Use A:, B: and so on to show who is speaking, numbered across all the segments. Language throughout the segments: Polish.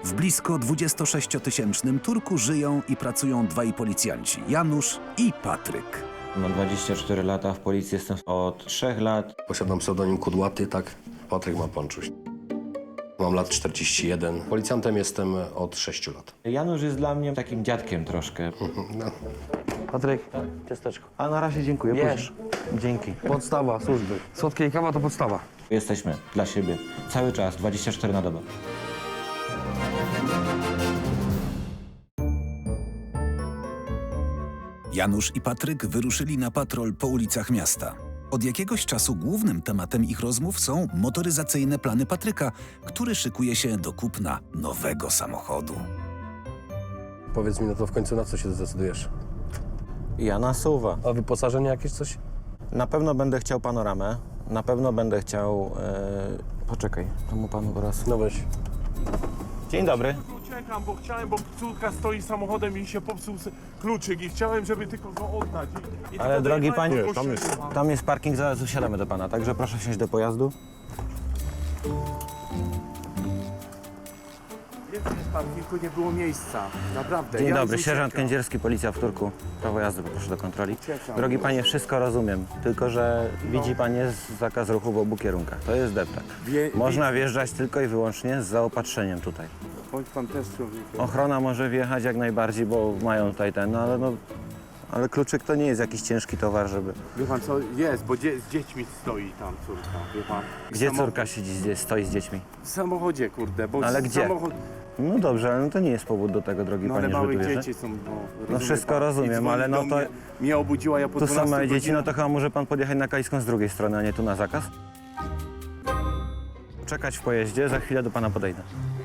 A: W blisko 26-tysięcznym Turku żyją i pracują dwaj policjanci, Janusz i Patryk.
B: Mam 24 lata, w policji jestem od 3 lat.
C: Posiadam pseudonim Kudłaty, tak? Patryk ma Panczuś. Mam lat 41. Policjantem jestem od 6 lat.
B: Janusz jest dla mnie takim dziadkiem troszkę.
C: No.
D: Patryk, ciasteczko.
B: A na razie dziękuję.
D: Wiesz.
B: Dzięki.
D: Podstawa służby. Słodkie i kawa to podstawa.
B: Jesteśmy dla siebie cały czas, 24 na dobę.
A: Janusz i Patryk wyruszyli na patrol po ulicach miasta. Od jakiegoś czasu głównym tematem ich rozmów są motoryzacyjne plany Patryka, który szykuje się do kupna nowego samochodu.
C: Powiedz mi, no to w końcu na co się zdecydujesz?
B: Ja nasuwa.
C: A wyposażenie jakieś coś?
B: Na pewno będę chciał panoramę. Na pewno będę chciał... Poczekaj, temu panu teraz...
C: No weź.
B: Dzień dobry.
E: Uciekam, bo córka stoi samochodem i się popsuł kluczyk i chciałem, żeby tylko go oddać. I
B: Ale
E: tylko
B: drogi
E: dojechałem
B: panie,
E: do kościoła.
B: tam jest parking, zaraz usiadamy do pana, także proszę wsiąść do pojazdu.
E: Więcej niż parkingu nie było miejsca, naprawdę.
B: Dzień
E: Ja
B: dobry,
E: już
B: sierżant
E: uciekam.
B: Kędzierski, policja w Turku. Prawo jazdy, poproszę do kontroli.
E: Uciekam.
B: Drogi panie, wszystko rozumiem, tylko że widzi pan jest zakaz ruchu w obu kierunkach. To jest deptak. Można wjeżdżać tylko i wyłącznie z zaopatrzeniem tutaj.
E: Bądź pan też człowiekiem.
B: Ochrona może wjechać jak najbardziej, bo mają tutaj ten, ale kluczyk to nie jest jakiś ciężki towar, żeby...
E: Wie pan co, jest, bo z dziećmi stoi tam córka, wie pan.
B: Gdzie córka siedzi, stoi z dziećmi?
E: W samochodzie, kurde, bo
B: Ale gdzie?
E: samochód...
B: No dobrze, ale to nie jest powód do tego, drogi
E: No
B: panie,
E: ale
B: żeby
E: małe
B: tu wjeżdżać.
E: dzieci są,
B: No wszystko
E: pan.
B: rozumiem,
E: I dzwoni
B: ale no
E: do
B: to...
E: Mnie obudziła, ja po
B: Tu są
E: 12
B: małe dzieci, no
E: godzinach-
B: to chyba może pan podjechać na Kaliską z drugiej strony, a nie tu na zakaz? Czekać w pojeździe, za chwilę do pana podejdę.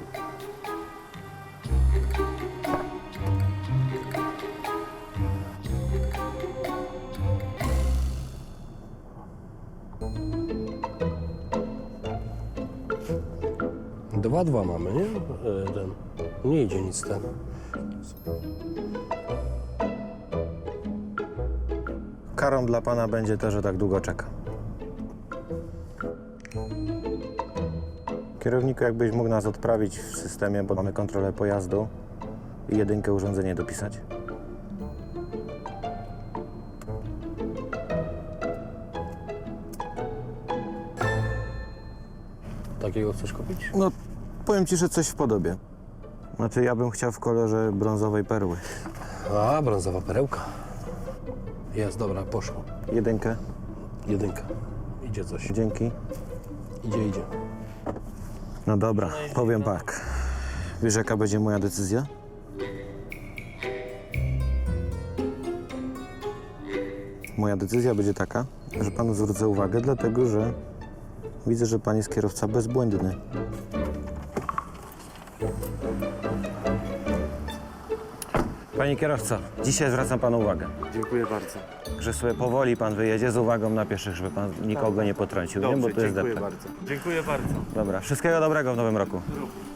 C: Dwa mamy, nie? Ten. Nie idzie nic ten.
B: Karą dla pana będzie to, że tak długo czeka. Kierowniku, jakbyś mógł nas odprawić w systemie, bo mamy kontrolę pojazdu i jedynkę urządzenie dopisać.
C: Takiego chcesz kupić?
B: No, powiem ci, że coś w podobie. Znaczy, ja bym chciał w kolorze brązowej perły.
C: A, brązowa perełka. Jest, dobra, poszło.
B: Jedynkę,
C: Jedynka. Idzie coś.
B: dzięki.
C: Idzie.
B: No dobra, powiem tak. Wiesz, jaka będzie moja decyzja? Moja decyzja będzie taka, że panu zwrócę uwagę, dlatego że widzę, że pan jest kierowca bezbłędny. Panie kierowco, dzisiaj zwracam panu uwagę,
E: Dziękuję bardzo.
B: że sobie powoli pan wyjedzie z uwagą na pieszych, żeby pan nikogo nie potrącił, nie? Bo
E: Dobrze,
B: to jest
E: dziękuję
B: deptak.
E: bardzo. Dziękuję bardzo.
B: Dobra, wszystkiego dobrego w nowym roku.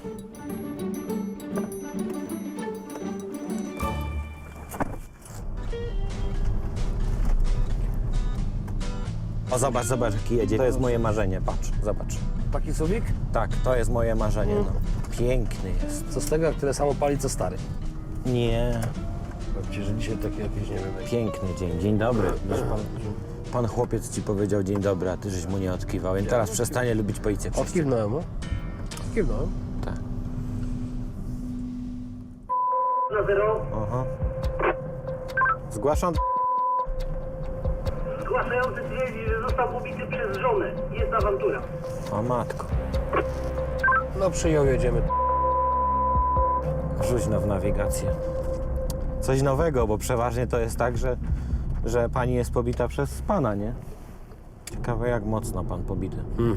B: O, zobacz, jaki jedzie. To jest moje marzenie, patrz, zobacz.
C: Taki suwik?
B: Tak, to jest moje marzenie, no. Piękny jest.
C: Co z tego, jak tyle samo pali, co stary?
B: Nie,
C: Powiem ci, że dzisiaj taki jakiś, nie wiem,
B: piękny dzień. Dzień dobry. Wiesz, pan chłopiec ci powiedział dzień dobry, a ty żeś mu nie odkiwał, więc teraz przestanie lubić policję.
C: Odkiwnąłem, no. Odkiwnąłem.
B: Tak.
F: Na zero.
B: Aha. Zgłaszam.
F: Zgłaszający twierdzi, że został ubity przez żonę. Jest awantura.
B: O matko.
C: No przyjął, jedziemy.
B: Rzuć w nawigację. Coś nowego, bo przeważnie to jest tak, że pani jest pobita przez pana, nie? Ciekawe, jak mocno pan pobity.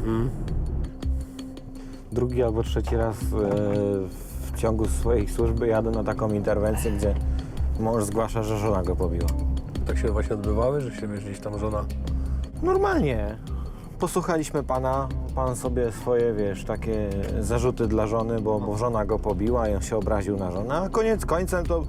B: Drugi albo trzeci raz w ciągu swojej służby jadę na taką interwencję, gdzie mąż zgłasza, że żona go pobiła.
C: Tak się właśnie odbywały, że się wiesz, gdzieś tam żona...
B: Normalnie. Posłuchaliśmy pana, pan sobie swoje, wiesz, takie zarzuty dla żony, bo żona go pobiła i on się obraził na żonę, a koniec końcem to...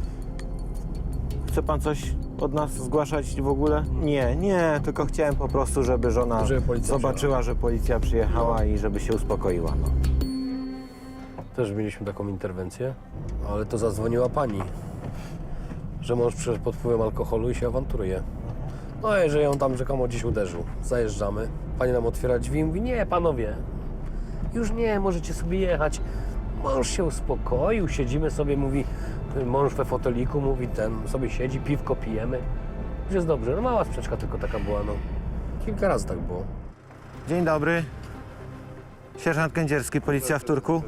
B: Chce pan coś od nas zgłaszać w ogóle? Nie, tylko chciałem po prostu, żeby żona
C: Żeby policja
B: zobaczyła, że policja przyjechała i żeby się uspokoiła, no.
C: Też mieliśmy taką interwencję, ale to zadzwoniła pani, że mąż przyszedł pod wpływem alkoholu i się awanturuje. No i że ją tam rzekomo gdzieś uderzył. Zajeżdżamy, pani nam otwiera drzwi i mówi, nie panowie, już nie, możecie sobie jechać. Mąż się uspokoił, siedzimy sobie, mówi, mąż we foteliku, mówi, ten sobie siedzi, piwko pijemy. Już jest dobrze, no mała sprzeczka tylko taka była, no. Kilka razy tak było.
B: Dzień dobry. Sierżant Kędzierski, policja w Turku.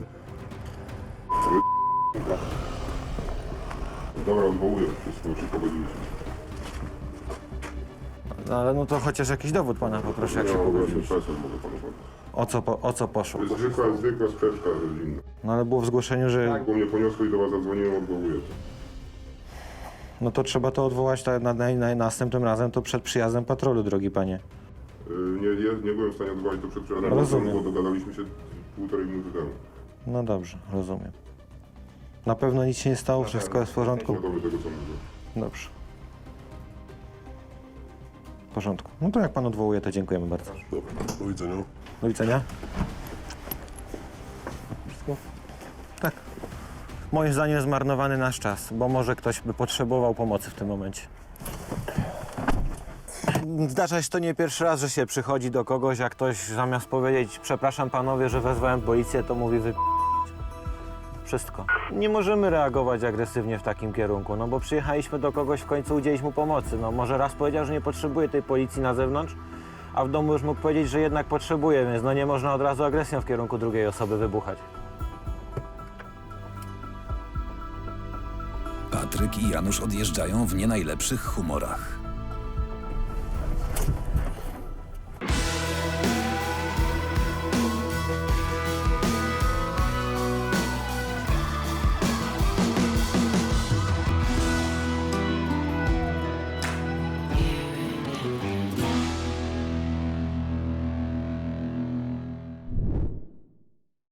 G: Dobra, odwołuję wszystko, już pogodziliśmy.
B: No, ale no to chociaż jakiś dowód pana poproszę, jak się pogodził.
G: PESEL mogę panu podać.
B: O co poszło?
G: To jest zwykła sprzeczka rodzinna.
B: No ale było w zgłoszeniu, że...
G: Bo mnie poniosło i do was zadzwoniłem, odwołuję to.
B: No to trzeba to odwołać następnym razem, to przed przyjazdem patrolu, drogi panie.
G: Nie byłem w stanie odwołać to przed przyjazdem,
B: Rozumiem.
G: bo dogadaliśmy się 1,5 minuty temu.
B: No dobrze, rozumiem. Na pewno nic się nie stało, wszystko jest w porządku?
G: Świadomy tego, co mówię.
B: Dobrze. W porządku. No to jak pan odwołuje, to dziękujemy bardzo.
G: Dobra, do widzenia.
B: Do widzenia. Wszystko? Tak. Moim zdaniem zmarnowany nasz czas, bo może ktoś by potrzebował pomocy w tym momencie. Zdarza się to nie pierwszy raz, że się przychodzi do kogoś, jak ktoś zamiast powiedzieć przepraszam panowie, że wezwałem policję, to mówi wszystko. Nie możemy reagować agresywnie w takim kierunku, no bo przyjechaliśmy do kogoś, w końcu udzielić mu pomocy. No może raz powiedział, że nie potrzebuje tej policji na zewnątrz, a w domu już mógł powiedzieć, że jednak potrzebuje, więc no nie można od razu agresją w kierunku drugiej osoby wybuchać.
A: Patryk i Janusz odjeżdżają w nie najlepszych humorach.